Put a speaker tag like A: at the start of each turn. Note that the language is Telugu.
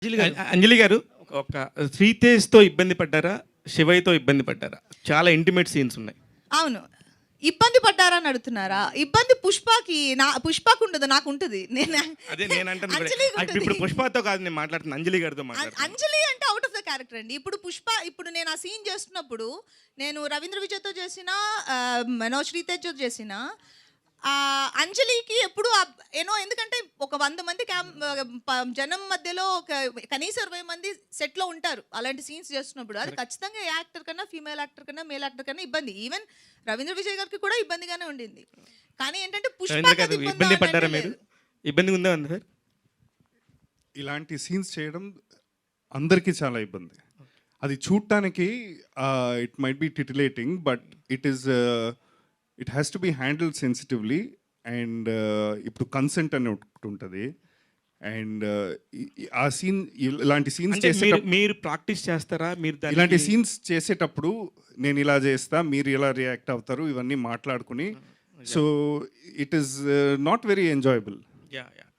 A: అంజలి గారు ఒక శ్రీతేజ్తో ఇబ్బంది పడ్డారా, శివయ్యతో ఇబ్బంది పడ్డారా? చాలా ఇంటిమేట్ సీన్స్ ఉన్నాయి.
B: అవును. ఇబ్బంది పడ్డారని అడుగుతున్నారా? ఇబ్బంది పుష్పకు ఉండదు, నాకు ఉంటుంది.
A: అదే నేను అంటాను. ఇప్పుడు పుష్పతో కాదు నేను మాట్లాడుతున్నా, అంజలి గారితో మాట్లాడుతున్నా.
B: అంజలి అంటే అవుట్ ఆఫ్ ద క్యారెక్టర్ అండి. ఇప్పుడు నేను ఆ సీన్ చేస్తున్నప్పుడు నేను రవీంద్ర విజయ్తో చేసిన, శ్రీతేజ్తో చేసిన, అంజలికి ఎప్పుడు ఎందుకంటే ఒక 100 మంది జనం మధ్యలో కనీసం 20 మంది సెట్లో ఉంటారు అలాంటి సీన్స్ చేస్తున్నప్పుడు. అది ఖచ్చితంగా ఏ యాక్టర్ కన్నా, ఫీమేల్ యాక్టర్ కన్నా, మేల్ యాక్టర్ కన్నా ఇబ్బంది. ఈవెన్ రవీంద్ర విజయ్ గారికి కూడా ఇబ్బందిగానే ఉండింది. కానీ ఏంటంటే
A: ఇబ్బంది పడ్డారా మీరు? ఇబ్బంది ఉందా సార్?
C: ఇలాంటి సీన్స్ చేయడం అందరికీ చాలా ఇబ్బంది. అది చూడటానికి it might be titillating, but it has to be handled sensitively. And ఇప్పుడు కన్సెంట్ అని ఒకటి ఉంటుంది. అండ్ ఆ సీన్, ఇలాంటి సీన్స్
A: మీరు ప్రాక్టీస్ చేస్తారా? మీరు
C: ఇలాంటి సీన్స్ చేసేటప్పుడు నేను ఇలా చేస్తా, మీరు ఇలా రియాక్ట్ అవుతారు, ఇవన్నీ మాట్లాడుకుని. So it is not very enjoyable.